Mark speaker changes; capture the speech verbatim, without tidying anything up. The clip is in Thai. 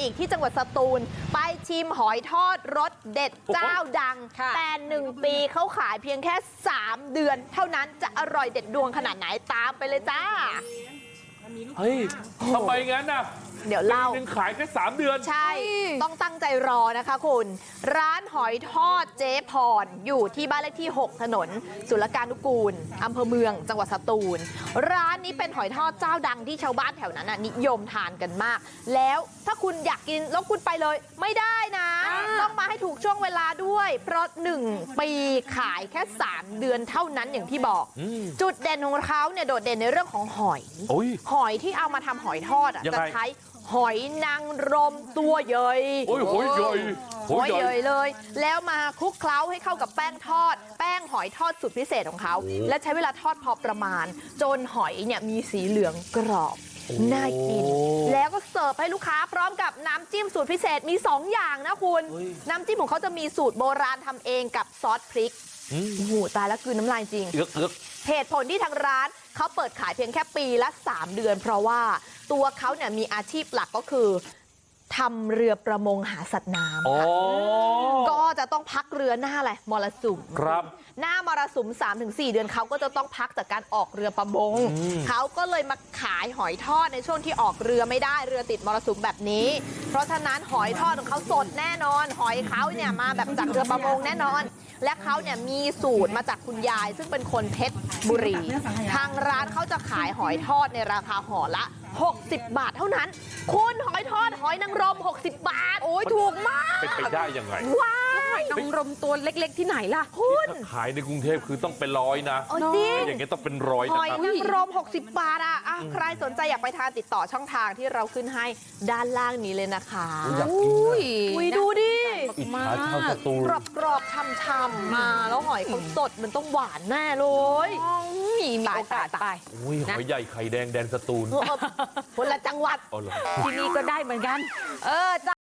Speaker 1: อีกที่จังหวัดสตูลไปชิมหอยทอดรสเด็ดเจ้าดังแต่หนึ่งปีเขาขายเพียงแค่สามเดือนเท่านั้นจะอร่อยเด็ดดวงขนาดไหนตามไปเลยจ้า
Speaker 2: เฮ้ยทำไมงั้นน่ะ
Speaker 1: เดี๋ยวเล่า
Speaker 2: เป็นขายแค่สามเดือน
Speaker 1: ใช่ต้องตั้งใจรอนะคะคุณร้านหอยทอดเจ๊พรอยู่ที่บ้านเลขที่หกถนนศุลกานุกูลอำเภอเมืองจังหวัดสตูลร้านนี้เป็นหอยทอดเจ้าดังที่ชาวบ้านแถวนั้นนิยมทานกันมากแล้วถ้าคุณอยากกินแล้วคุณไปเลยไม่ได้นะต้องมาให้ถูกช่วงเวลาด้วยเพราะหนึ่งปีขายแค่สามเดือนเท่านั้นอย่างที่บอกจุดเด่นของเขาเนี่ยโดดเด่นในเรื่องของหอยหอยที่เอามาทำหอยทอดอ่ะจะใช้หอยนางรมตัวใหญ่
Speaker 2: โอ้ยหอยใหญ่
Speaker 1: หอยใหญ่เลยแล้วมาคลุกเคล้าให้เข้ากับแป้งทอดแป้งหอยทอดสูตรพิเศษของเขาและใช้เวลาทอดพอประมาณจนหอยเนี่ยมีสีเหลืองกรอบน่ากินแล้วก็เสิร์ฟให้ลูกค้าพร้อมกับน้ำจิ้มสูตรพิเศษมีสองอย่างนะคุณน้ำจิ้มของเขาจะมีสูตรโบราณทำเองกับซอสพริกโอ้โหตายแล้วคือน้ำลายจริงเหตุผลที่ทางร้านเขาเปิดขายเพียงแค่ปีละสามเดือนเพราะว่าตัวเขาเนี่ยมีอาชีพหลักก็คือทำเรือประมงหาสัตว์น้ำก็จะต้องพักเรือหน้าอะไรมรสุม
Speaker 2: ครับ
Speaker 1: หน้ามรสุม สามถึงสี่ เดือนเขาก็จะต้องพักจากการออกเรือประมงเขาก็เลยมาขายหอยทอดในช่วงที่ออกเรือไม่ได้เรือติดมรสุมแบบนี้เพราะฉะนั้นหอยทอดของเขาสดแน่นอนหอยเขาเนี่ยมาแบบจากเรือประมงแน่นอนและเขาเนี่ยมีสูตรมาจากคุณยายซึ่งเป็นคนเพชรบุรีทางร้านเขาจะขายหอยทอดในราคาห่อละหกสิบบาทเท่านั้นคุณหอยทอดหอยนางรมหกสิบบาทโอ้ยถูกมาก
Speaker 2: เป็นไปได้ยังไง
Speaker 1: ว้าย
Speaker 3: นางรมตัวเล็กๆที่ไหนล่ะ
Speaker 1: คุณ
Speaker 2: ขายในกรุงเทพคือต้องเป็นร้อยนะ
Speaker 1: จริง
Speaker 2: อย่างเงี้ยต้องเป็นร้อย
Speaker 1: หอยนางรมหกสิบบาทอ่ะใครสนใจอยากไปทานติดต่อช่องทางที่เราขึ้นให้ด้านล่างนี้เลยนะคะ
Speaker 2: อยากกิน
Speaker 1: อุ้ยดูดิ
Speaker 2: อิจฉาชาวสตูล
Speaker 1: กรอบๆช่ำๆมาแล้วหอยเขาสดมันต้องหวานแน่เลย
Speaker 3: มีโอกาสไป
Speaker 2: อุ้ยหอยใหญ่ไข่แดงแดนสตูล
Speaker 1: คนละจังหวัด
Speaker 3: ที่นี่ก็ได้เหมือนกัน
Speaker 1: เออ